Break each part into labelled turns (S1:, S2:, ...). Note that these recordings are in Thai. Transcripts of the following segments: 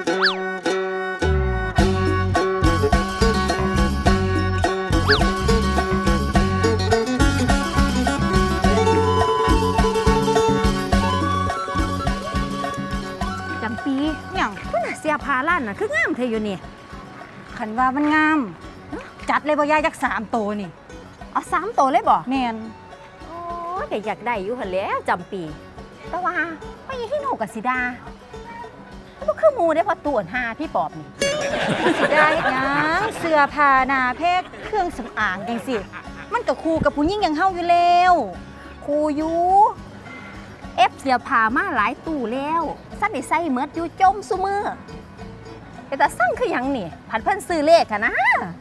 S1: จำปีอย่างเสียพาล้านน่ะคืองามเธออยู่นี่
S2: ขันว่ามันงามจัดเลยบ่ยายจัก3 ตัวนี่
S1: เอา3 ตัวเลยบ่
S2: แม่น
S1: โอ้ยก็อยากได้อยู่หั่นแหล้วจำปีแต่ว่าไม่ยังที่หนูกับสิดาก็คือหมูได้พอตัวหาพี่ปอบนี่
S2: สิได้หยังเสื้อผ้าหน้าเพชรเครื่องสำอางจังสิมันก็คู่กับผู้หญิงอย่างเฮาอยู่แล้ว
S1: ครูอยู่เอฟเสียพามาหลายตู้แล้วสั้นได้ใส่เมิดอยู่จมซุมือแต่สั่งคือหยังนี่ผัดเพิ่นซื้อเลขอะนะ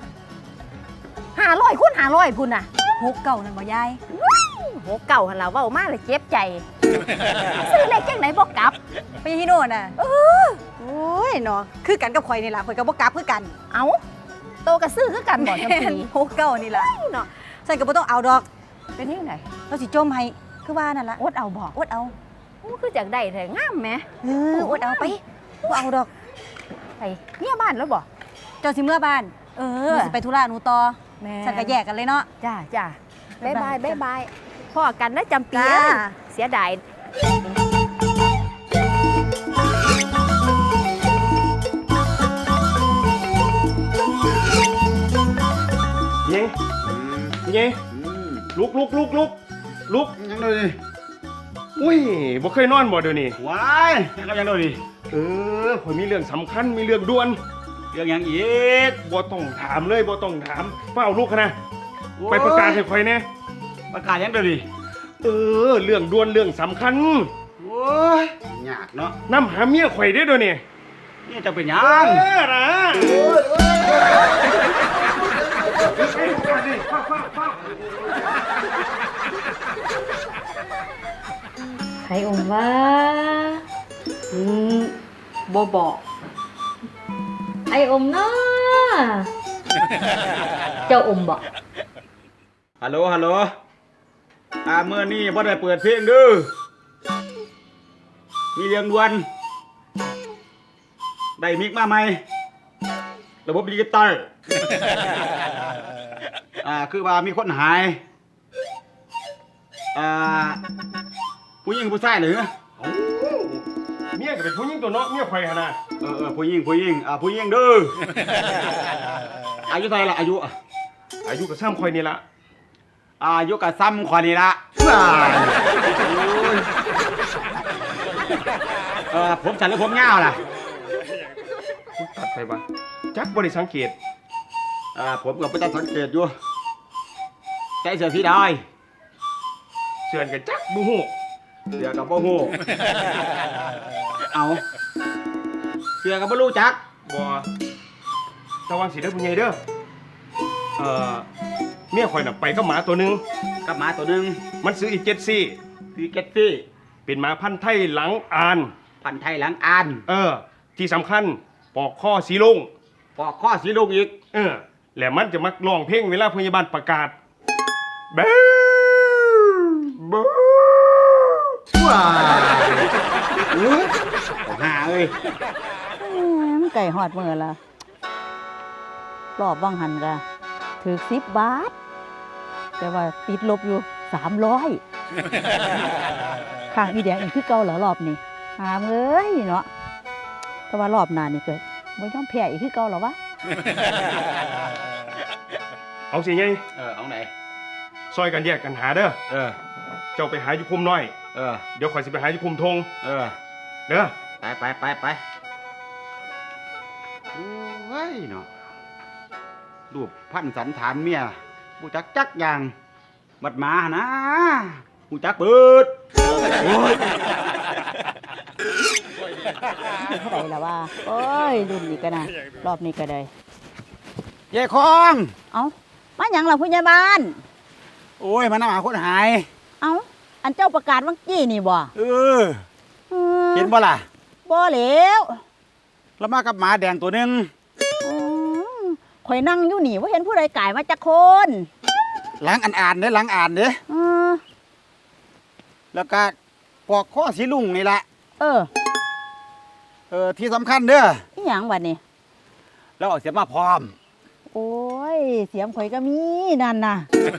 S1: 500 คูณ 500พุ่นน่ะ
S2: 69นั่นบ่ยาย
S1: โหเก่าหันเราเว้ามาเลยเจ็บใจ ซื้อเลขจังไหนบ่กลับ
S2: ไปที่โน่นน่ะโอ้ยเนาะคือกันกับข่อยนี่ล่ะข่อยก็บ่กลับคือกัน
S1: เอ้าโตก็ซื้อคือกันบ่จำปี
S2: 69นี่ล่ะ
S1: เนาะ
S2: ฉันก็บ่ต้องเอาดอก
S1: เป็นที่ไหน
S2: เราสิจมให้คือว่านั่นล่ะ
S1: อดเอาบ่
S2: อดเอา
S1: โอ้คือจากได้แท้งามแหม
S2: อดเอาไปบ่เอาดอก
S1: ไปเนี่ยบ้านแล้วบ่
S2: เจ้าสิเมื่อบ้านหนูสิไปธุระหนูต่อ
S1: แม่
S2: ฉันก็แยกกันเลยเนาะ
S1: จ้าจ้าบ๊ายบายบ๊ายบายพ่อกันนะจำปี
S2: จ้า
S1: เสียดาย
S3: ยิงยิงลุก
S4: ยังดูดิ
S3: อุ้ยบ่เคยนอนบ่เดี๋ยวนี้
S4: ว้ายยังดูดิ
S3: ข่อยมีเรื่องสำคัญมีเรื่องด่วน
S4: เรื่องยังอีก
S3: บ่ต้องถามเลยบ่ต้องถามเฝ้าลูกนะไปประกาศให้ข่อยแน่
S4: ประกาศยังดูดิ
S3: เรื่องด่วนเรื่องสำคัญ
S4: โอ้ยยากเนาะ
S3: นำหาเมียข่อยได้อเดี๋ยวนี้
S4: นี่จะเป็นยัง
S3: นะ
S5: ใครอมว่าบ่บอกไออมเนาะเจ้าอมบอก
S4: ฮัลโหลเมื่อนี้บ่ได้เปิดเพลงเด้อมีเรื่องด่วนได้มิกมาใหม่ระบบดิจิตอลคือว่ามีคนหายผู้หญิงผู้ชายหรือ
S3: เมียก็เป็นผู้หญิงตัวเนาะเมียข่อยหั่นน่ะ
S4: ผู้หญิงผู้หญิงเด้อ อายุเท่าไหร่ละอายุ
S3: อายุก็ซ้ำข่อยนี่ละ
S4: อายุกับซ้ำคนนี้ละผมสั้นหรือผมยาวล่ะ
S3: ตัดไปบ่จักบ่ได้สังเกต
S4: ผมกับพระเจ้าสังเกตอยู่ใจเสือพี่ดอย
S3: เสื่อนกันจักบ่ฮู้
S4: เสือกับพ่อหูเอาเสือกับพ่อรู้จัก
S3: บ่ระวังสิเด้อผู้ใหญ่เด้อเมียข่อยน่ะไปกับหมาตัวหนึง
S4: กับหมาตัวหนึ่ง
S3: มันซื้ออีก7ซี่
S4: คือเก็ตตี้
S3: เป็นหมาพันธุ์ไทยหลังอาน
S4: พันไทยหลังอ่าน
S3: ที่สำคัญปอกข้อสีลุง
S4: ปอกข้อสีลูกอีก
S3: และมันจะมักร้องเพลงเวลาพยาบาลประกาศเบ้อ
S4: ว้าวหาเอ้ย
S2: มันไก่หอดมือละรอบว่างหันกะถือ10 บาท แต่ว่าติดลบอยู่300ข้างอีแดงอีกคือเก่าเหรอรอบนี้หามเอ้ยเนาะแต่ว่ารอบหน้านี่เกิดบ่ยอมแพ้อีกคือเก่าเหรอวะ
S3: เอาสิไง
S4: เอาไหน
S3: ซอยกันแยกกันหาเด้อ เจ้าไปหาอยู่คุมน้อย เดี๋ยวข่อยสิไปหาอยู่คุมทงเด้อ
S4: ไปโอ้ยเนาะรูปพันสันฐานเมียผู้จักอย่างบัดมานะผู้จักเปิดโอ้ย
S2: เท่าไหร่ละว่าโอ้ยรุ่นนี้ก็นะรอบนี้ก็ได้
S4: ยายคอง
S2: เอ้ามาหยังล่ะผู้ใหญ่บ้าน
S4: โอ้ยมันหาคนหาย
S2: เอ้าอันเจ้าประกาศเมื่อกี้นี่บ่
S4: เห็นบ่ล่ะ
S2: บ่แล้ว
S4: แล้วมากับหมาแดงตัวหนึง
S2: ข่อยนั่งอยู่นี่ว่าเห็นผู้ใดก่ายมาจากคน
S4: หลังอ่านเด้หลังอ่านเด้ แล้วก็ปอกข้อสีลุงนี่แหละ
S2: เออ
S4: ที่สำคัญเด้อ
S2: อีหยังบัดนี้
S4: แล้วเอาเสียมาพร้อม
S2: โอ้ยเสียมข่อยก็มีนั่นน่ะ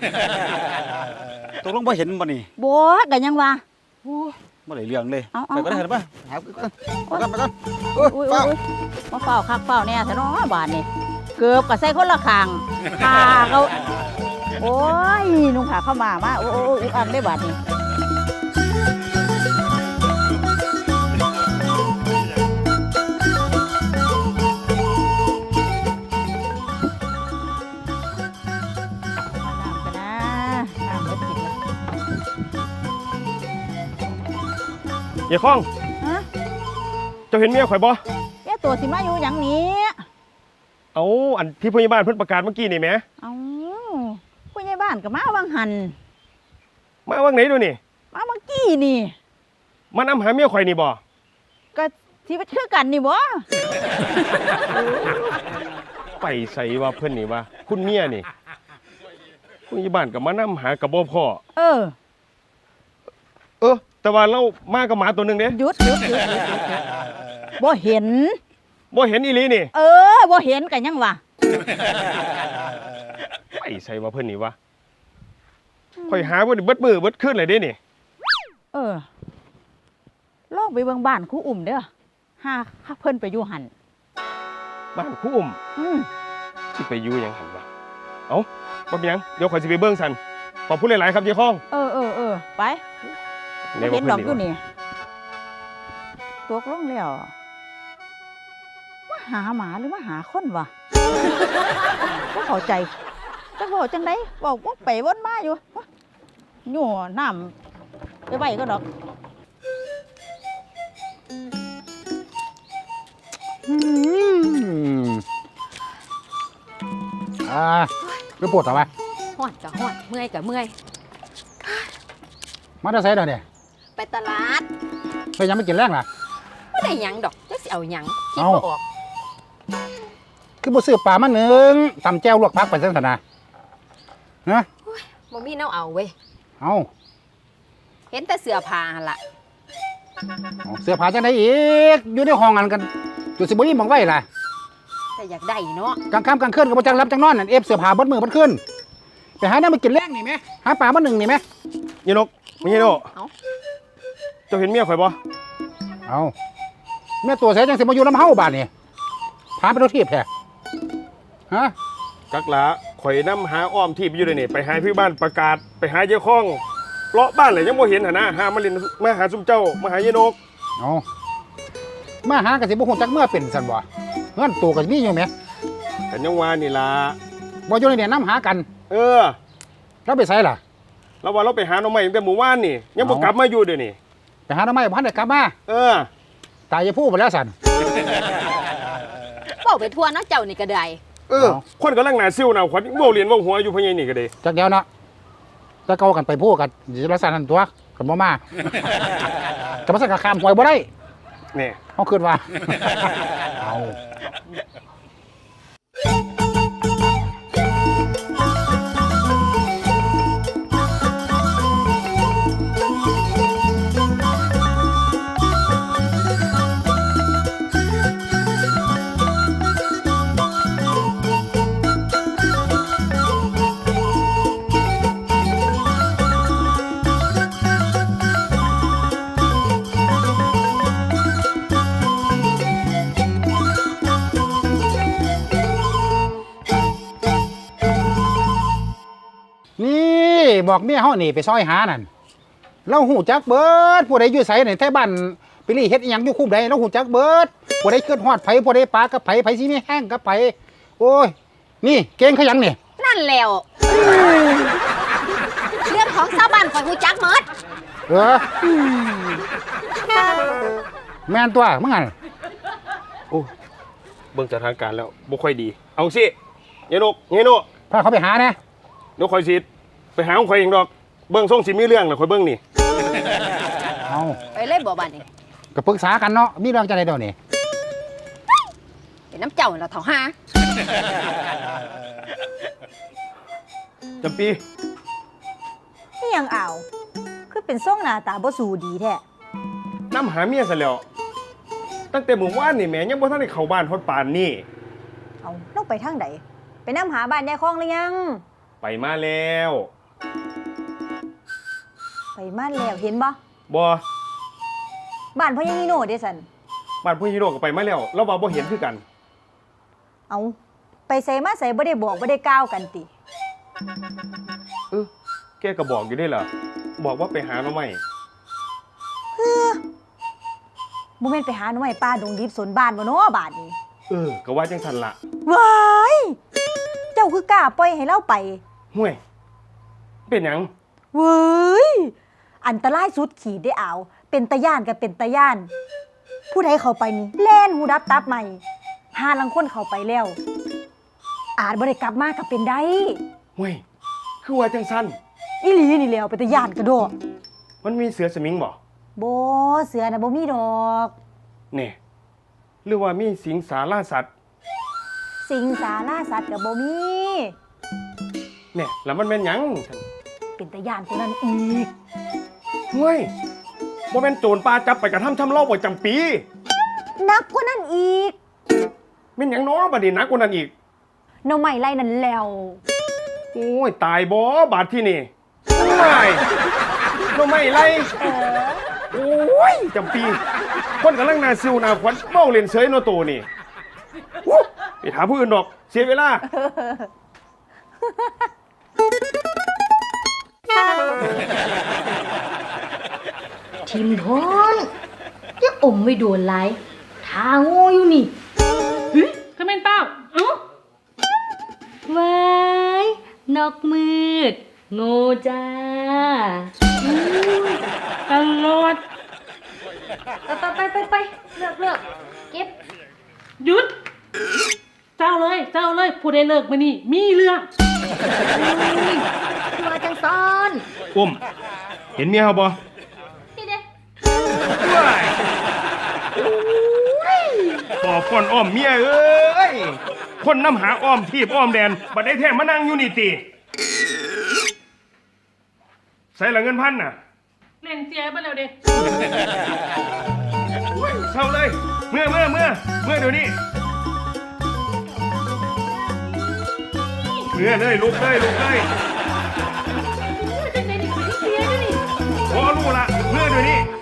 S4: ตกลงบ่เห็นบ่นี่
S2: บ่ก็ยังว่า
S4: บ่ได้เรื่องเลย
S2: เอา
S4: ไปก็ได้เห็นป่ะหาไปก่อนไปก่อน
S2: อุ้ยมาเฝ้าคักเฝ้าแน่ซะเนาะบาดนี้เกือบก็ใส่คนละข้างพาเขาโอ้ยนุ่งผ้าเข้ามาโอ้อุกอักได้บาดนี้น้ำเบิดกินละ
S3: เฮียข้อง
S2: ฮะ
S3: เจ้าเห็นเมียข่อยบ่
S2: แกตัวสิมาอยู่หยังนี้
S3: เอาอันที่ผู้ใหญ่บ้านเพิ่นประกาศเมื่อกี้นี่แหม
S2: เอาผู้ใหญ่บ้านก็มาวังหัน
S3: มาว่างไหนดูนี่
S2: มาเมื่อกี้นี่
S3: มานำหาเมียข่อยนี่บ่
S2: ก็ที่ว่าคือกันนี่บ่
S3: ไปใส่ว่าเพิ่นนี่ว่าคุณเมียนี่ผู้ใหญ่บ้านก็มานำหากับบ่พ่อ
S2: เออ
S3: แต่ว่าเรามากับหมาตัวหนึงเด้
S2: หยุดบ่เห็น
S3: บ่เห็นอีหลีนี่
S2: เออบ่เห็นกันยังวะ
S3: ไปใส่ว่าเพิ่นนี่ว่าข่อยหาเบิดมือเบิดคืนเลยเด้นี่
S2: เออลองไปเบิ่งบ้านครูอุ่มเด้อหาเพิ่นไปอยู่หัน
S3: บ้านครูอุ้ม สิไปอยู่หยังหั่นวะเอ้าบ่เป็นหยังเดี๋ยวข่อยสิไปเบิ่งซั่นขอบคุณหลายๆครับเฮียข้อง
S2: เออไปบ่เห็นดอกอยู่นี่ตกลงแล้วมาหาหมาหรือมาหาคนวะบ่เข้าใจจักบอกจังได๋บอกวกไปวนมาอยู่อยู่น้ำไปไว้ก็ดอก
S6: คือปวดต่อไป
S1: ฮอดก็ฮอดเมื่อยก็เมื่อย
S6: มาได้ใส่เดี๋ยวนี้
S1: ไปตลาด
S6: ไปยังไม่กินแรงล่ะ
S1: บ่ได้หยังดอกจักสิเอาหยังคิด
S6: เอ้า
S1: บ่ออก
S6: คือบ่ซื้อปลามาหนึ่งตำแจ่วลวกผักไปเส้นธนานะ
S1: บ่มีแนวเอาเว้ย
S6: เอา
S1: เห็นแต่เสื้อผ้าหั่นล่ะ
S6: เอาเสื้อผ้าจังไดอีกอยู่ในห้องกันกันจุดสิบ่มีหมองไว้ล่ะ
S1: แต่อยากได้เนาะ
S6: กลางค่ำกลางคืนก็บ่จังรับจังนอนนั่นเอฟเสื้อผ้าเบดมือเบดคืนไปหาน้ำมากินแรงนี่ไหมหาปลามาหนึ่งนี่ไหม
S3: เฮียนกมีเฮียโน
S1: เอ้า
S3: เจ้าเห็นเมียข่อยบ่
S6: เอาแม่ตัวเสียจังสิมาอยู่ลำเฮาบ้านนี่พาไปรถทีบแท้ฮะ
S3: กักหลาข่อยนำหาอ้อมที่ไปอยู่เลยนี่ไปหาพี่บ้านประกาศไปหาเฮียข้องเลาะบ้านเลยยังบ่เห็นหั่นนะหามาเล่นมาหาซุมเจ้ามาหาเฮียนก
S6: เอามาหากันสิบ่ฮู้จักเมื่อเป็นซั่นบ่เงินตัวก็มีอยู่แหม
S3: กันยังว่านี่ล่ะ
S6: บ่อยู่ในเนี่ยน้ำหากัน
S3: เออ
S6: แล้วไปไสล่ะ
S3: แล้วว่าเราไปหาหน่อไม้ตั้งแต่หมู่บ้านนี่ยังบ่
S6: เอ้า
S3: กลับมาอยู่เดี๋ยวนี้
S6: ไปหาทำไมพันได้กลับมา
S3: เออ
S6: ตายจะพูดไปแล้วสัน
S1: เว้าไปทั่วเนาะเจ้านี่ก็ได้
S3: เออ คนกำลังหนาซิ่วหนาขวัญเว้าเรียนเว้าหัวอยู่พะยัยนี่ก็เด้
S6: จากเดียวเนาะถ้าเกากันไปพูดกันจะรักษาทันตัวกันบ่มาจะมาสั่งกระคามหวยบ่ได้
S3: นี่
S6: เขาคืนว่า เอา นี่บอกเมียเฮานี่ไปซอยหานั่นเราหูจักเบิดผู้ใดอยู่ไสนี่แท้บ้านไปรีเฮ็ดอีหยังอยู่คุ้มใดเราหูจักเบิดผู้ใดเกิดฮอดไผผู้ใดปลากับไผไผสิมีแห้งกับไผโอ้ยนี่เก่งขยันนี่
S1: นั่นแล้วเรื่องของชาวบ้านข่อยฮู้จักหมด
S6: เออแม่นตัวมึงอ่ะ
S3: โอ้เบิ่งสถานการณ์แล้วบ่ค่อยดี เอาสิยายนกยายโน
S6: พาเขาไปหาแน่
S3: เดี๋ยวข่อยสิไปหาของข่อยเองดอก เบิ่งส่งสิมีเรื่องแล้วข่อยเบิ่งนี่
S6: เอา
S1: ไปเลยบ่บัดนี้
S6: ก็ปรึกษากันเนาะมีเรื่องจังได๋เดี๋ยวนี้
S1: เป็นน้ำเจ้าแล้วเฒ่าหา
S3: จำปี
S7: นี่ยังอ่าวคือเป็นส่งหน้าตาบ่สูดีแท้
S3: นำหาเมียซะแล้วตั้งแต่หมู่บ้านนี่แหม่ยังบ่ทันได้เข้าบ้านฮอดปานนี่
S7: เอาเราไปทางใดไปนำหาบ้านยายคองหรือยัง
S3: ไปมาแล้ว
S7: ไปมาแล้วเห็นบ่
S3: บ่
S7: บ้านพ่อยังนีโน่เด้สัน
S3: บ้านผู้ฮีโร่ก็ไปมาแล้วเราว่าบ่เห็นคือกัน
S7: เอาไปใส่มาใส่บ่ได้บอกบ่ได้กล่าวกันติ
S3: แกก็บอกอยู่ได้เหรอบอกว่าไปหาหน่อไม้
S7: บ่แม่นไปหาหน่อไม้ป่าดงดิบสนบ้านบ่เนาะบาดนี้
S3: ก็ว่าจังซั่นล่ะ
S7: ว้ายเจ้าคือกล้าปล่อยให้เราไป
S3: ห่วย เป็นหยัง
S7: เว้ยอันตรายสุดขีดได้เอาเป็นตะย่านกับเป็นตะย่าน ผู้ใดเข้าไปนี่แล่นหูดับตับใหม่หาลังคนเข้าไปแล้ว อาจบ่ได้กลับมาก็เป็นได้
S3: ห่วย คือว่าจังซั่น
S7: อีหลีนี่แหล้วเป็นตะย่านกระโดด
S3: มันมีเสือสมิงบ่
S7: บ่เสือน่ะบ่มีดอก
S3: แน่หรือว่ามีสิงสาราสัตว์
S7: สิงสาราสัตว์ก็บ่มี
S3: แน่แล้วมันแม่นหยัง
S7: เป็นตะย่านคนนั้นอีก
S3: ห่วยบ่แม่นโจรป่าจับไปกระทำชำเราบ่จำปี
S7: หนักกว่านั้นอีก
S3: แม่นหยังน้อบัดนี้หนักกว่านั้นอีก
S7: หน่อไม้ไล่นั่นแล้ว
S3: โอ้ยตายบ่บาดที่นี่ไม่น้องไม่ไรโอ้ยจำปี คนกำลังนาซิวนาขวัญเมาเล่นเฉยโนโตนี่วู้ไปถามผู้อื่นดอก เสียเวลา
S5: ทิมทอนจะอมไม่โดนไรทาโง่อยู่นี่
S8: เฮ้ยก็เป็นเป้าเอ้า
S5: ว้ายนกมืด โง่จ้า
S8: ตลอด
S5: ไปเลือกเก็บ
S8: หยุด เจ้าเลยผู้ใดเลิกมานี่ มีเรื่อง
S5: ตัวจังซ้อน
S3: อุ้ม เห็นเมียเขาบ่
S5: นี่เด้
S3: ต่อฟ้อนอ้อมเมียเอ้ย คนน้ำหาอ้อมทีบอ้อมแดนบัดได้แท้มานั่งอยู่นี่ติใส่ละเงินพันน่ะ
S8: เล่นเสียไปแล้วเด้
S3: เศร้าเลย เมื่อเดี๋ยวนี้เมื่อเลยลุกเลย
S8: จังไหนนี่ก็ไม่ได้เสียด้วยนี่
S3: พอรู้ละเมื่อเดี๋ยวนี้